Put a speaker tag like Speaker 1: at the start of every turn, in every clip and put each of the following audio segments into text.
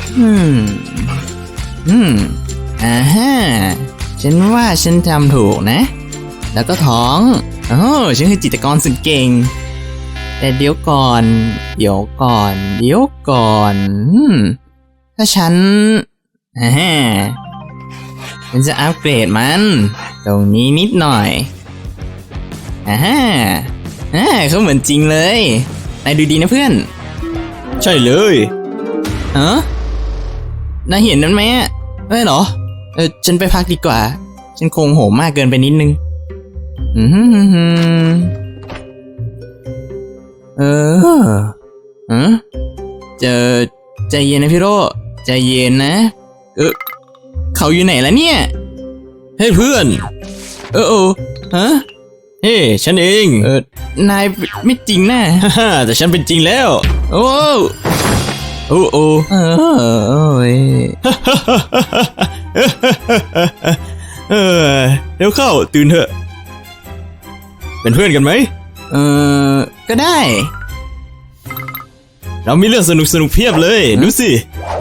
Speaker 1: อืมฮะฉันว่าฉันทำถูกนะ แล้วก็ท้องฉันคือจิตรกรสุดเก่งแต่เดี๋ยวก่อนถ้าฉันจะอัปเกรดมันตรงนี้นิดหน่อยเขาเหมือนจริงเลยนายดูดีนะเพื่อน
Speaker 2: ใช่เลย
Speaker 1: นายเห็นนั้นไหมไม่หรอฉันไปพักดีกว่าฉันคงโหมมากเกินไปนิดนึงใจเย็นนะพี่โรใจเย็นนะเขาอยู่ไหนแล้วเนี่ย
Speaker 2: เฮ้ยเพื่อน
Speaker 1: เฮ้
Speaker 2: ฉันเอง
Speaker 1: นายไม่จริงนะ
Speaker 2: แต่ฉันเป็นจริงแล้ว
Speaker 1: โอ้
Speaker 2: เดี๋ยวเข้าตื่นเถอะเป็นเพื่อนกันไหม
Speaker 1: ก็ได้
Speaker 2: เรามีเรื่องสนุกเพียบเลยดูสิ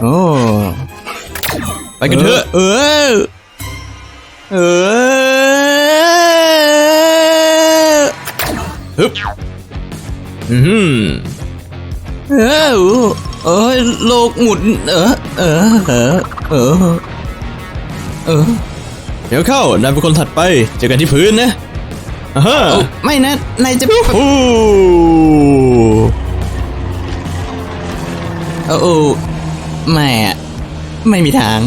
Speaker 2: ไปกันเถอะฮึบ
Speaker 1: โลกหมุน
Speaker 2: เดี๋ยวเข้านายเป็นคนถัดไปเจอกันที่พื้นนะ
Speaker 1: ไม่นะนายจะไม่มีทาง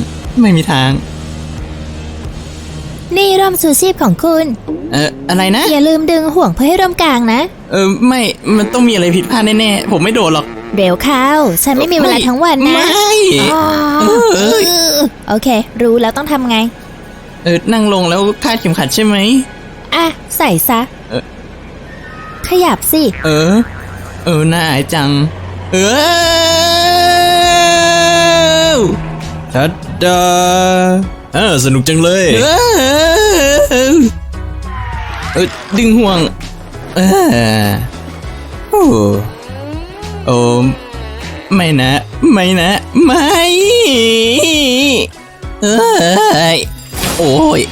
Speaker 3: นี่ร่มชูชีพของคุณ
Speaker 1: อะไรนะ
Speaker 3: อย่าลืมดึงห่วงเพื่อให้ร่มกลางนะ
Speaker 1: ไม่มันต้องมีอะไรผิดพลาดแน่ๆผมไม่โดดหรอก
Speaker 3: เร็วเข้าฉันไม่มีเวลาทั้งวันนะ
Speaker 1: ไม่
Speaker 3: โอเครู้แล้วต้องทำไง
Speaker 1: นั่งลงแล้วคาดเข็มขัดใช่ไหม
Speaker 3: ใส่ซะขยับสิ
Speaker 1: น่าอายจัง
Speaker 2: ทัดดาสนุกจังเลย
Speaker 1: ดึงห่วงไม่นะไม่โอ้ย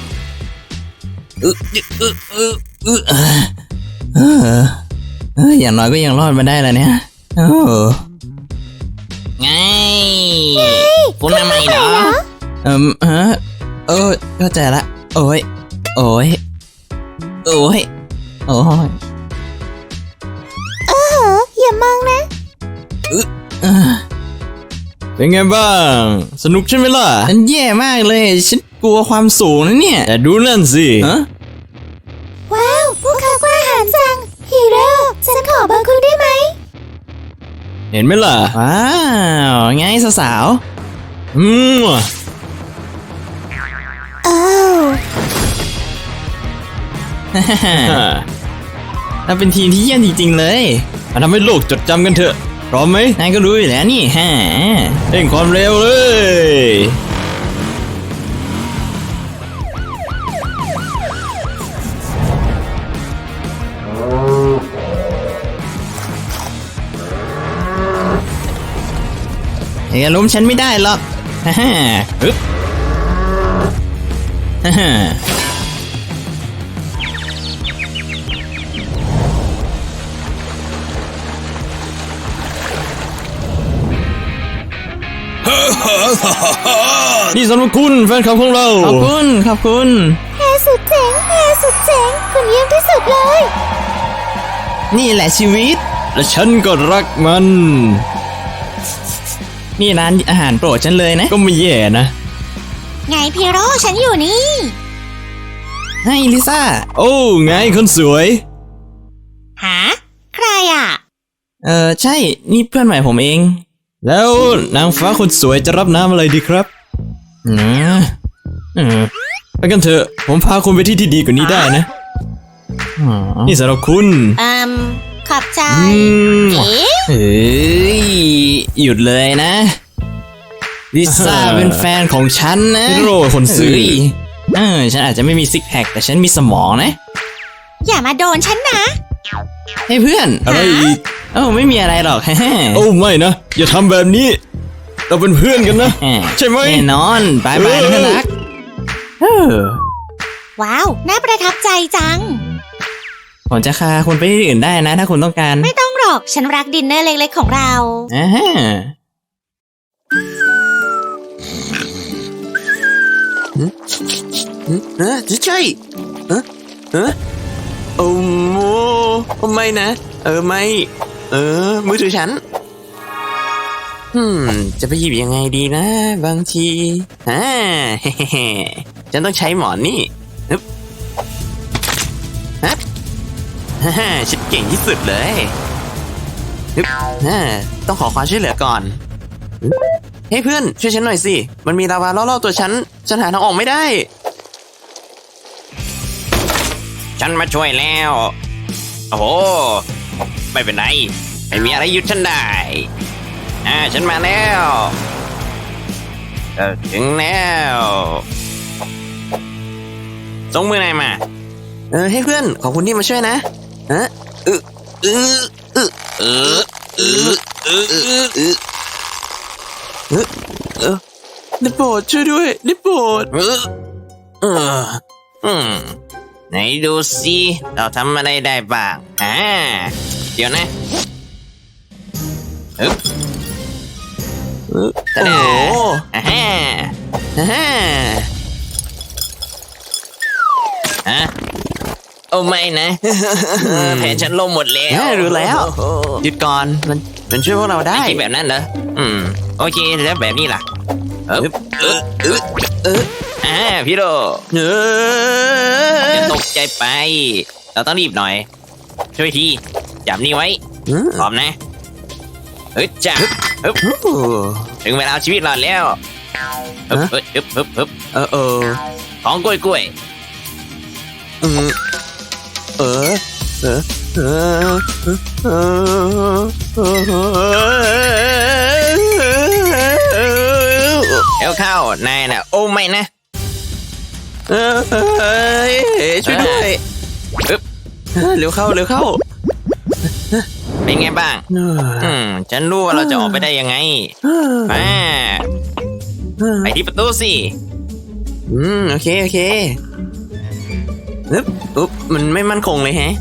Speaker 1: อย่างน้อยก็ยังรอดมาได้แล้วเนี่ยไงคุณทำไมเหรอเข้าใจละโอ้ย
Speaker 3: อย่ามองนะ
Speaker 2: เป็นไงบ้างสนุกใช่ไหมล่ะ
Speaker 1: ฉันแย่มากเลยฉันกลัวความสูงนะเนี่ย
Speaker 2: แต่ดูนั่นสิ
Speaker 3: ว้าวพวกเขากล้าหาญจังฮีโร่ฉันขอเบอร์คุณได้ไหม
Speaker 2: เห็นไหมล่ะ
Speaker 1: ว้าวไงสาวเราเป็นทีมที่เยี่ยมจริงๆเลย
Speaker 2: มาทำให้โลกจดจำกันเถอะพร้อมไหม
Speaker 1: นายก็รู้อยู่แล้วนี่
Speaker 2: เร่งความเร็วเลย
Speaker 1: อย่าล้มฉันไม่ได้หรอก
Speaker 2: ฮึบนี่สำหรับคุณแฟนคลับของเรา
Speaker 1: ขอบคุณ
Speaker 3: แฮสุดเจ๋งคุณเยี่ยมที่สุดเลย
Speaker 1: นี่แหละชีวิต
Speaker 2: และฉันก็รักมัน
Speaker 1: นี่ร้านอาหารโปรดฉันเลยนะ
Speaker 2: ก็ไม่แย่นะ
Speaker 3: ไงพี่โรฉันอยู่นี่
Speaker 1: ให้ลิซ่า
Speaker 2: ไงคนสวย
Speaker 3: หาใคร
Speaker 1: ใช่นี่เพื่อนใหม่ผมเอง
Speaker 2: แล้วนางฟ้าคนสวยจะรับน้ำอะไรดีครับไปกันเถอะผมพาคุณไปที่ที่ดีกว่านี้ได้นะนี่สำหรับคุณ
Speaker 3: ขอบใจ
Speaker 1: หยุดเลยนะลิซ่าเป็นแฟนของฉันนะ
Speaker 2: ฮีโร่คนซื่อ
Speaker 1: ฉันอาจจะไม่มีซิกแพคแต่ฉันมีสมองนะ
Speaker 3: อย่ามาโดนฉันนะ
Speaker 1: เฮ้ยเพื่อน
Speaker 2: อะไรอีก
Speaker 1: ไม่มีอะไรหรอก
Speaker 2: ไม่นะอย่าทำแบบนี้เราเป็นเพื่อนกันนะ ใช่ไหม
Speaker 1: แน่นอนบายบายนะเพื่อนรักเออ
Speaker 3: ว้าว น่าประทับใจจัง
Speaker 1: ผมจะพาคุณไปที่อื่นได้นะ ถ้าคุณต้องการ
Speaker 3: ไม่ต้องหรอก ฉันรักดินเนอร์เล็กๆของเรา
Speaker 1: อ่าฮะใช่โอ้โมไม่นะ ไม่ มือถือฉัน จะไปหยิบยังไงดีนะ บางทีฉันต้องใช้หมอนนี่ฮึบฉันเก่งที่สุดเลยฮึบต้องขอความช่วยเหลือก่อนเฮ้ยเพื่อนช่วยฉันหน่อยสิ มันมีลาวาล่อๆตัวฉันหาทางออกไม่ได้
Speaker 4: ฉันมาช่วยแล้ว โอ้โห ไม่เป็นไร ไม่มีอะไรหยุดฉันได้ ฉันมาแล้วถึงแล้วส่งมือไหนอยมา
Speaker 1: ให้เพื่อนขอบคุณที่มาช่วยนะได้โปรดช่วยด้วยได้โปรด
Speaker 4: ไหนดูสิเราทำอะไรได้บ้างเดี๋ยวนะฮึบ
Speaker 1: โอ้โห
Speaker 4: โอ้ไม่นะ แผนฉันล่มหมดแล้ว
Speaker 1: รู้แล้วหยุดก่อนมันช่วยพวกเราได้
Speaker 4: คิดแบบนั้นเหรอโอเคแล้วแบบนี้ล่ะพี่โดจะตกใจไป เราต้องรีบหน่อย ช่วยทีจับนี่ไว้พร้อมนะจ้าถึงเวลาเอาชีวิตรอดแล้วของกล้วยแล้วเข้านายน่ะโอ้ไม่นะ
Speaker 1: ช่วยด้วยเร็วเข้า
Speaker 4: เป็นไงบ้างฉันรู้ว่าเราจะออกไปได้ยังไงไปที่ประตูสิ
Speaker 1: โอเคมันไม่มั่นคงเลยแฮะ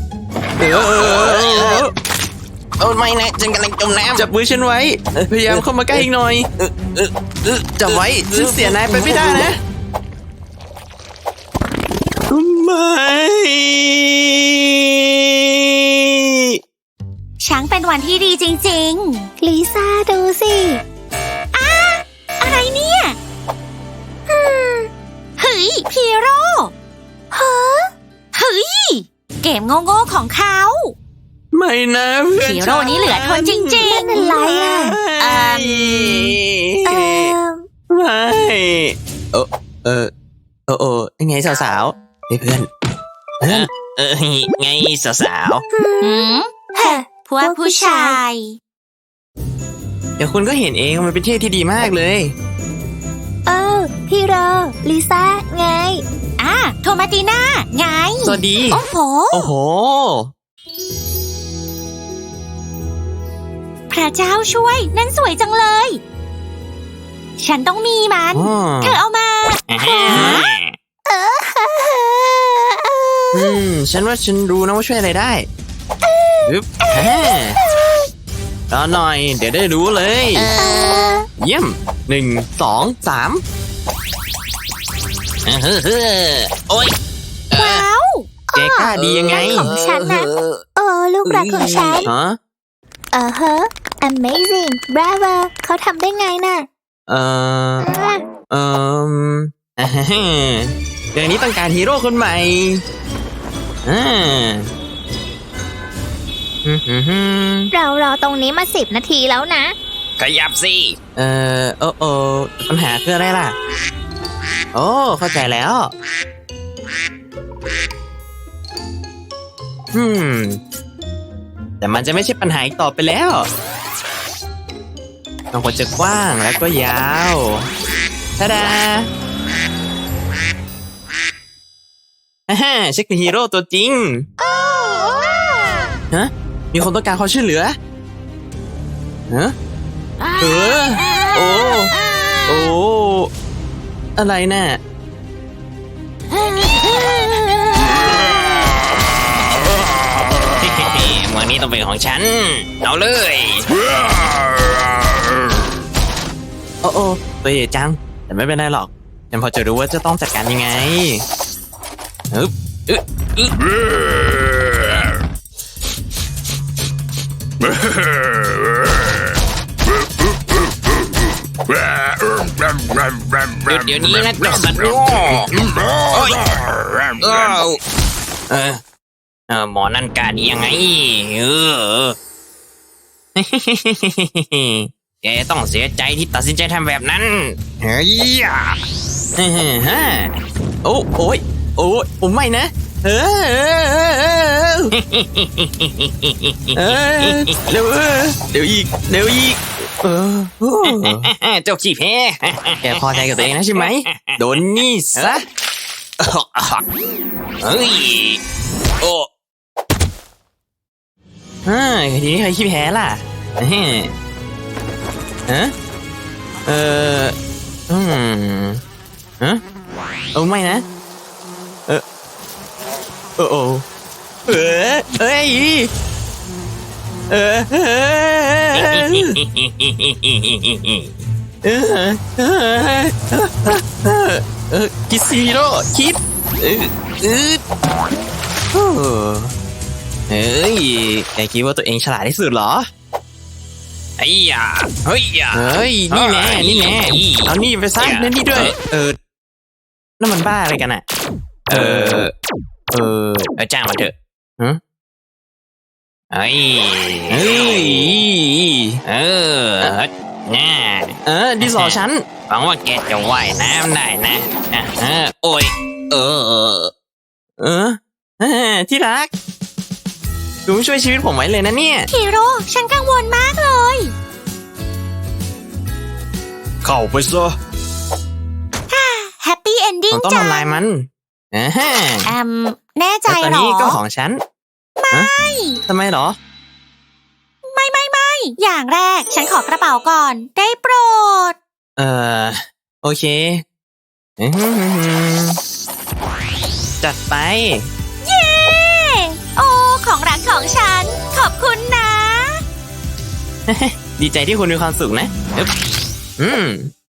Speaker 4: โอ้ไม่นะฉันกำลังจมน้ำ
Speaker 1: จับมือฉันไว้พยายามเข้ามาใกล้อีกหน่อยจับไว้ฉันเสียนายไปไม่ได้นะไม่
Speaker 3: ช้างเป็นวันที่ดีจริงๆ ลิซ่าดูสิอะไรเนี่ยเฮ้ยพีโร่เฮ้ยเกมโง่ๆของเขา
Speaker 1: ไม่นะเพื่อน
Speaker 3: พีโร่นี่เหลือทนจริงๆเป็นไร
Speaker 1: ไม่ยังไงสาวๆเพื่อน
Speaker 4: ไงสาว
Speaker 3: พวกผู้ชาย
Speaker 1: เดี๋ยวคุณก็เห็นเองมันเป็นที่ที่ดีมากเลย
Speaker 3: พี่โรลิซ่าไงโทมาติน่าไง
Speaker 1: สวัสดี
Speaker 3: โอ้โห พระเจ้าช่วยนั่นสวยจังเลย ฉันต้องมีมันเธอเอามา
Speaker 1: ฉันว่าฉันรู้นะว่าช่วยอะไรได้รอหน่อยเดี๋ยวได้รู้เลยเยี่ยม1 2 3
Speaker 4: โอ้ย
Speaker 3: ว้าว
Speaker 1: แกกล้าดียังไง
Speaker 3: ของฉันนะลูกรักของฉันamazing bravo เขาทำได้ไงน่ะ
Speaker 1: เดี๋ยวนี้ต้องการฮีโร่คนใหม่
Speaker 3: เรารอตรงนี้มา10 นาทีแล้วนะ
Speaker 4: ขยับสิ
Speaker 1: ปัญหาคืออะไรล่ะโอ้เข้าใจแล้วแต่มันจะไม่ใช่ปัญหาอีกต่อไปแล้วมันควรจะกว้างแล้วก็ยาวทาดาฉันคือฮีโร่ตัวจริงมีคนต้องการความช่วยเหลือโอ้ โอ้ อะไรน่ะ
Speaker 4: เมืองนี้ต้องเป็นของฉัน เอาเลย
Speaker 1: โอ้โอ้ตัวใหญ่จัง แต่ไม่เป็นไรหรอก ฉันพอจะรู้ว่าจะต้องจัดการยังไงอึ๊บอึ๊บอึ๊บ
Speaker 4: หยุดเดี๋ยวนี้นะเจ้าสัตว์โง่โอ้ยหมอนั่นกล้าดียังไงแกต้องเสียใจที่ตัดสินใจทำแบบนั้น เฮ้ย
Speaker 1: ฮะโอ้โอ้ยโอ้ยโอ้ไม่นะเออเดี๋ยวเดี๋ยวอีกเดี๋ยวอีก
Speaker 4: เจ้าขี้แพ้
Speaker 1: แกพอใจกับตัวเองนะใช่ไหมโดนนี่ซะ
Speaker 4: เฮ้ย โอ้
Speaker 1: ทีนี้ใครขี้แพ้ล่ะฮะโอ้ไม่นะโอ้เอ้ยคิดซีโร่คิดเฮ้ยแกคิดว่าตัวเองฉลาดที่สุดเหรอ
Speaker 4: ไอ้ยาเฮ้ยยา
Speaker 1: เฮ้ยนี่แน่นี่แน่เอานี่ไปซะเล่นนี่ด้วยนั่นมันบ้าอะไรกันอ่ะ
Speaker 4: จ้างมันเถอะ
Speaker 1: ฮะ
Speaker 4: เฮ้ย
Speaker 1: เฮ้ย
Speaker 4: น่า
Speaker 1: ดิสอฉัน
Speaker 4: หวังว่าแกจะว่ายน้ำได้นะโอ้ย
Speaker 1: ที่รักดูช่วยชีวิตผมไว้เลยนะเนี่ย
Speaker 3: ฮีโร่ฉันกังวลมากเลย
Speaker 2: เข้าไปซะ
Speaker 3: แฮปปี้เอนดิ้
Speaker 1: ผ
Speaker 3: ง
Speaker 1: มต้อง
Speaker 3: จ้ะ
Speaker 1: ทำลายมันฮะ
Speaker 3: แน่ใจ
Speaker 1: แล้วตอน
Speaker 3: เหรอ
Speaker 1: นี้ก็ของฉันไม่ทำไมเหรอ
Speaker 3: ไม่ อย่างแรกฉันขอกระเป๋าก่อน ได้โปรด
Speaker 1: โอเคจัดไป
Speaker 3: เย้ โอ้ ของรักของฉัน ขอบคุณนะ
Speaker 1: ดีใจที่คุณมีความสุขนะอึ๊บ